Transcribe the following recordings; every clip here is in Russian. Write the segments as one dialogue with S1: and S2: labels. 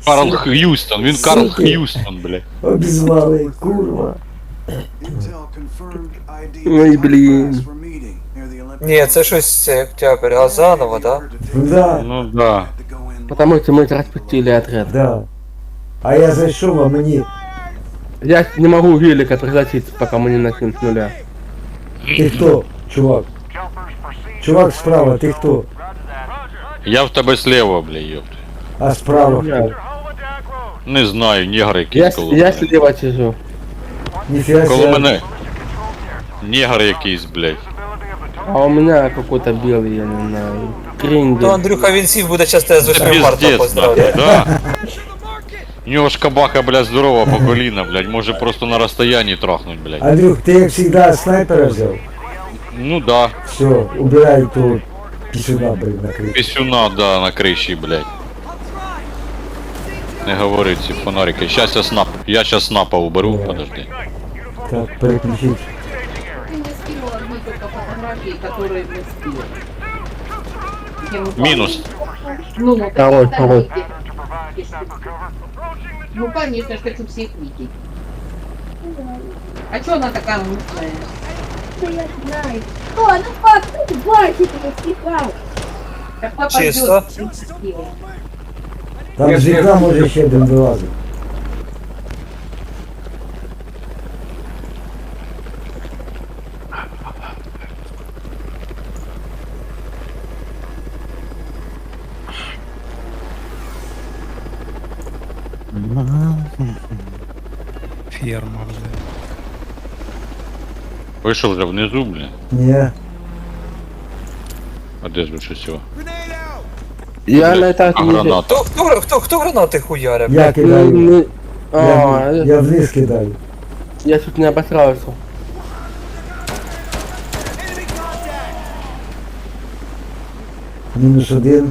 S1: Карл Х'юстон, він Карл
S2: Суки.
S1: Х'юстон, блядь.
S2: Обізвали, курва.
S3: Ой, блін.
S4: Ні, це щось це Октябрь, а заново, да?
S2: Да,
S1: Ну да.
S3: Потому что мы распустили отряд.
S2: да. А я зайшов, а мені...
S3: Я не могу велика пригласить, пока мы не начнем с нуля.
S2: Ти хто, чувак? Чувак справа, ти хто?
S1: Я в тебе слева, блядь, ёпт.
S2: А справа хто?
S3: Я,
S1: Не знаю, негр якийсь коло
S3: я
S1: мене.
S3: слева сижу.
S2: Ніфіга
S1: Коло
S2: себе.
S1: мене. Негр якийсь, блядь.
S3: А у меня какой-то белый, я не знаю,
S4: То
S3: крендель.
S4: Андрюха він сів буде часто з
S1: Це
S4: 8 марта
S1: пиздец,
S4: поздравляти.
S1: да. У нього ж кабака, блядь, здорова по коліна, блядь, може просто на розстоянні трахнуть, блядь.
S2: Андрюх, ти як завжди снайпера взяв?
S1: Ну да.
S2: Все, убирай ту пісюна, блин, на крышу.
S1: Пісюна, да, на криші, блядь. Не говори ці фонарики. Я щас снапа уберу, подожди.
S2: Так, переключить.
S5: Ты мне скинул одну только фотографии, которые мы скинули.
S1: Мінус.
S5: Ну, так
S3: Второй,
S5: остальные,
S3: второй.
S5: если- Ну, конечно, ж хочу всех видеть. А чё она такая мутная?
S6: Да я знаю. О, ну как ты бачите, стихал.
S5: Так папа
S4: Чисто.
S5: ждёт.
S2: Там з вікна може ще один вилазить.
S7: Ферма вже.
S1: Ви що вже внизу, блядь?
S2: Ні.
S1: А де ж ви щось його?
S3: Я на этаже
S1: А
S3: не...
S1: граната?
S4: Хто гранати хуярив?
S2: Я
S3: не-
S2: кидаю.
S3: не- А,
S2: Я вниз кидаю.
S3: я чуть не обосрался.
S2: Мінус один.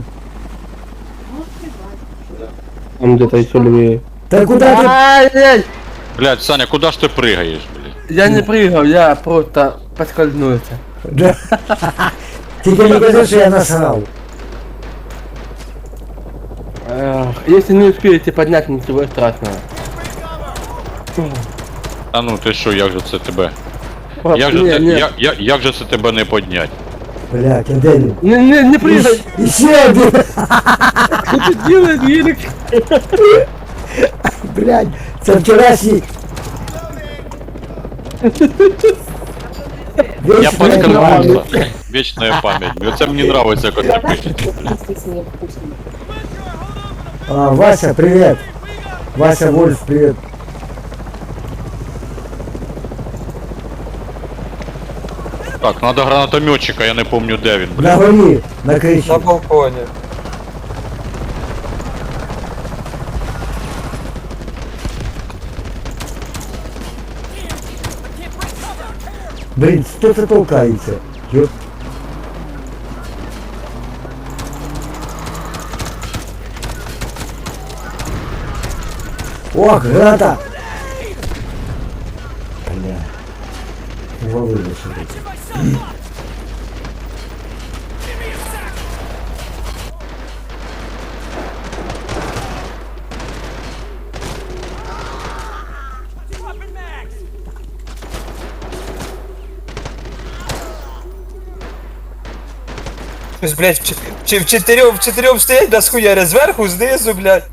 S3: Там где-то еще левее.
S2: Та куди ти?
S3: Ай-яй!
S1: Блядь, Саня, куди ж ти пригаєш, блядь?
S3: Я не прыгал, я просто поскользнулся.
S2: Да. Тільки не кажи, що я насрав.
S3: Если не успеете поднять, ничего страшного.
S1: А ну ти що, як же це тебе?
S3: Пап,
S1: Як же,
S3: не,
S1: це,
S3: не,
S1: як же це тебе не поднять?
S2: Блядь, а де він?
S3: не прыгай!
S2: І ще один.
S3: Что ты делаешь, велик?
S2: Блядь, це вчорашній.
S1: Я
S2: Вічна
S1: подскользнулся. Вечная память. Оце мені нравиться, як ти пишеш.
S5: Если с ней вкусно.
S2: А, Вася, привет. Вася Вольф, привет.
S1: Так, надо гранатометчика, я не помню де він, блядь.
S2: На горі, на криші.
S4: На балконі.
S2: Блін, хто це толкається? Йоп. О, граната! Бля. Увалили сюди.
S4: Щось, блядь, в чотирьох стоять, да схуяря зверху, знизу, блядь.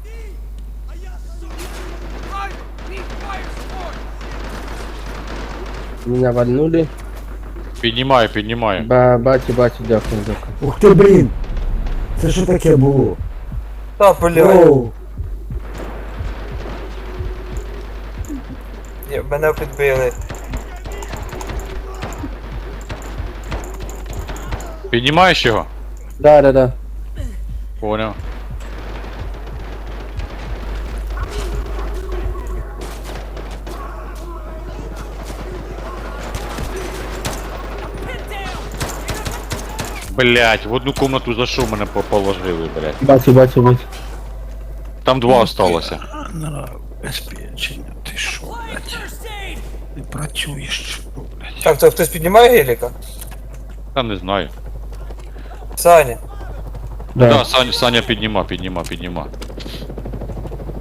S3: Меня вальнули.
S1: Піднімаю.
S3: Бачу, дякую.
S2: Ух ти, блін! Це що таке було?
S4: Та, блядь.
S2: Оу!
S4: Ні, мене підбили.
S1: Піднімаєш його?
S3: Да.
S1: Понял. Блять, в одну комнату зайшов, мене положили, блять.
S3: Бачу.
S1: Там два осталося.
S7: Безпечення, ти шо, блядь? Ти працюєш, блядь.
S4: Так, то хтось піднімає геліка?
S1: Та не знаю.
S4: Саня.
S1: Да, Саня підніма.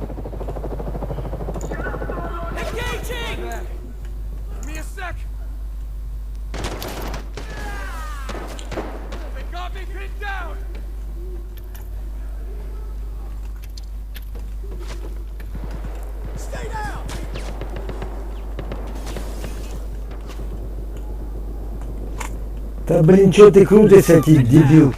S2: Да блин, что ты крутишься, ты дебил?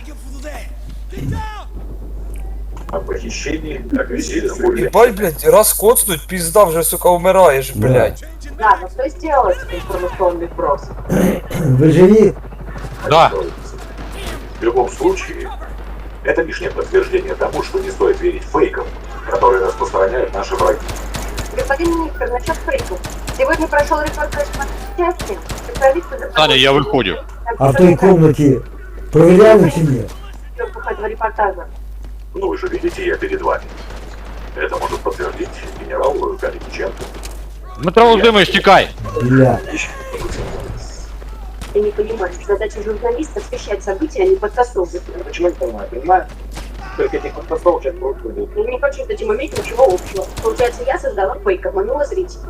S8: О похищении, агрессивном
S4: Ебать, блядь, раз коцнуть, пизда, вже, сука, умираєш,
S2: Да.
S4: блядь.
S9: Да, но что сделать информационный вброс?
S2: Вы живи?
S1: Да.
S8: В любом случае, это лишнее подтверждение тому, что не стоит верить фейкам, которые распространяют наши враги.
S9: Господин министр, насчет фейков. Сегодня прошел репортаж по части. Специалисты
S1: Таня, я выходим.
S2: А в той комнате проверяли чи нет?
S9: этого репортажа.
S8: Ну вы же видите, я перед вами. Это может подтвердить генерал Калиниченко.
S1: Дмитро Володимирович, тікай!
S2: Бля.
S9: Ты не понимаешь, задача журналиста освещать события, а не подтасовывать.
S8: Почему я понимаю? Только этих подтасовок сейчас происходит.
S9: Я не хочу с этим иметь ничего общего. Получается, я создала фейк, обманула зрителей.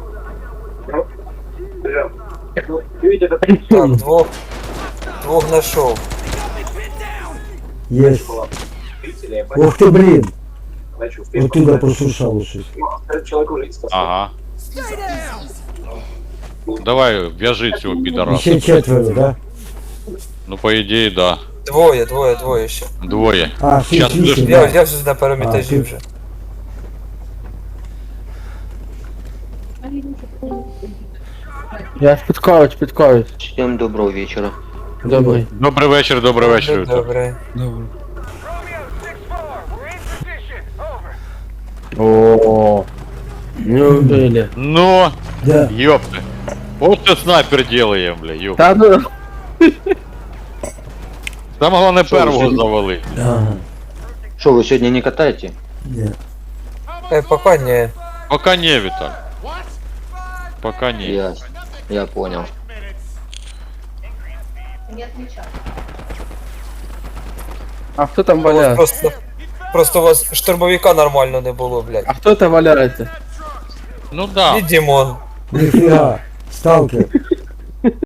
S8: Ну, видите, это
S4: Так, двох нашов.
S2: Есть.
S8: зрители,
S2: Ух ты, блин.
S8: иначе
S2: Вот
S8: успеешь
S2: туда
S8: поставить.
S2: пошуршало щось.
S8: Ну, этот человек уже спасал.
S1: Ага. Давай, в'яжи цього підараса.
S2: Еще четверо, да?
S1: Ну, по ідеї, да.
S4: Двоє ще.
S1: Двоє.
S2: А,
S1: Щас
S2: 6-8,
S1: будеш-
S4: Я
S2: да.
S4: вже на першому
S2: А,
S4: етажі
S2: ти-
S4: вже.
S3: Я спіткаюсь.
S10: Всем доброго вечера.
S3: Добрий.
S1: Добрий вечір, добрий вечір. Вітер.
S4: Добре.
S7: Добре.
S3: О, не убили.
S1: Ну,
S2: Да.
S1: ёпты. Вот что снайпер делаем, бля, ёпты.
S3: Та ну,
S1: Там головне
S10: Що,
S1: первого
S10: вже-
S1: завали.
S2: Ага.
S10: Что, вы сегодня не катаете?
S2: Нет.
S4: Пока не.
S1: Пока не, Виталь. Пока не.
S10: Я понял.
S5: Не отвечай.
S3: а хто там
S4: У вас
S3: валяється?
S4: просто у вас штурмовика нормально не було, блядь.
S3: А хто там валяється?
S1: Ну да.
S4: І Дімон.
S2: Нифига. Сталкер.